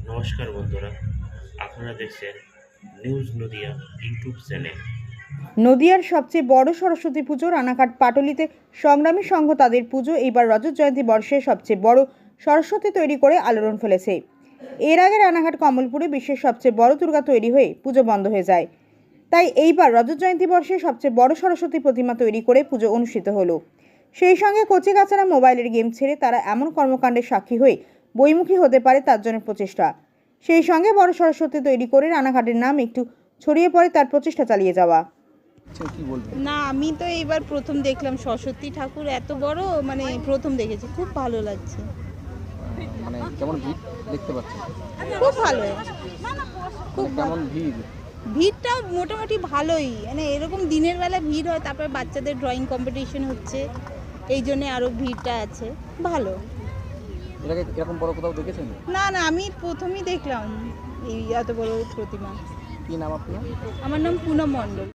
নমস্কার বন্ধুরা, আপনারা দেখছেন নিউজ নদিয়া ইউটিউব চ্যানেল। নদিয়ার সবচেয়ে বড় সরস্বতী পুজো রানাঘাট পাটুলিতে সংগ্রামী সংঘ তাদের পুজো এইবার রজত জয়ন্তী বর্ষে সবচেয়ে বড় সরস্বতী তৈরি করে আলোড়ন ফেলেছে। এর আগে রানাঘাট কমলপুরে বিশ্বের সবচেয়ে বড় দুর্গা তৈরি হয়ে পুজো বন্ধ হয়ে যায়। তাই এইবার রজত জয়ন্তী বর্ষে সবচেয়ে বড় সরস্বতী প্রতিমা তৈরি করে পুজো অনুষ্ঠিত হলো। সেই সঙ্গে কচিকাচারা মোবাইলের গেম ছেড়ে তারা এমন কর্মকাণ্ডের সাক্ষী হয়ে বইমুখী হতে পারে তার জন্য প্রচেষ্টা। সেই সঙ্গে বড় সরস্বতী তৈরি করে রানাঘাটের নাম একটু ছড়িয়ে পড়ে তার প্রচেষ্টা চালিয়ে যাওয়া। না, আমি তো এইবার প্রথম দেখলাম সরস্বতী ঠাকুর এত বড়, প্রথম দেখেছি, খুব ভালো লাগছে। মানে কেমন ভিড় দেখতে পাচ্ছেন? খুব ভালো, খুব কেমন ভিড়? ভিড়টা মোটামুটি ভালোই, এরকম দিনের বেলা ভিড় হয়, তারপর বাচ্চাদের ড্রয়িং কম্পিটিশন হচ্ছে, এই জন্যে আরও ভিড়টা আছে। ভালো। এর আগে এরকম বড় কোথাও দেখেছেন? না, আমি প্রথমই দেখলাম এই এত বড় প্রতিমা। কি নাম আপনার? আমার নাম পুনম মণ্ডল।